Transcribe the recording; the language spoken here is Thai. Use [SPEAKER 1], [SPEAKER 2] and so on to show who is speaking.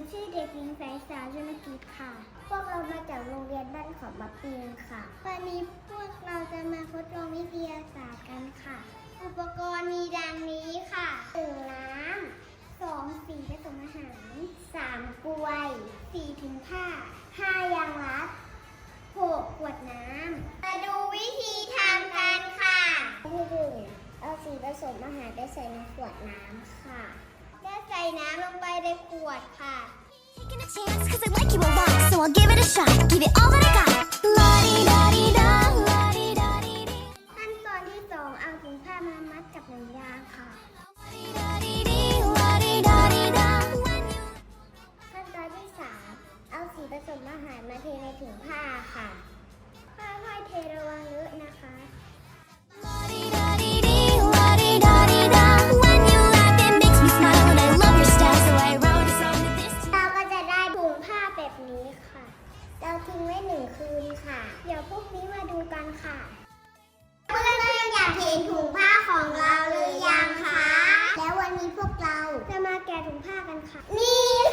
[SPEAKER 1] ชื่อเด็กหญิงสายสาวชนกิจค่ะพวกเรามาจากโรงเรียนบ้านเขามะปีนค่ะวันนี้พวกเราจะมาทดลองวิทยาศาสตร์กันค่ะอุปกรณ์มีดังนี้ค่ะ1น้ำ2สีผสมอาหาร3กล้วย4ถุงผ้า5ยางรัด6ขวดน้ำมาดูวิธีทำกันค่ะที่1เอาสีผสมอาหารไปใส่ในขวดน้ำค่ะและใส่น้ำลงไปในขวดค่ะ
[SPEAKER 2] Taking a chance, cause I like you a lot, so I'll give it a shot, give it all that I got. La-di-da-di-da, la-di-da-di-di.
[SPEAKER 1] ขั้นตอนที่2เอาถุงผ้ามามัดกับหนังยางค่ะ
[SPEAKER 2] La-di-da-di-di, la-di-da-di-da. When you
[SPEAKER 1] ขั้นตอนที่3เอาสีผสมอาหารมาเทในถุงผ้าค่ะค่อยๆเทระวังเลอะนะคะ
[SPEAKER 2] la-di-da-di-di, la-di-da-di-da. When you laugh, it makes me smile, and I love your style, so I wrote a song to this.
[SPEAKER 1] เราก็จะได้ถุงผ้าแบบนี้ค่ะ เราทิ้งไว้1 คืนค่ะ เดี๋ยวพรุ่งนี้มาดูกันค่ะเพื่อนๆอยากเห็นถุงผ้าของเราหรือยังคะแล้ววันนี้พวกเราจะมาแกะถุงผ้ากันค่ะ นี่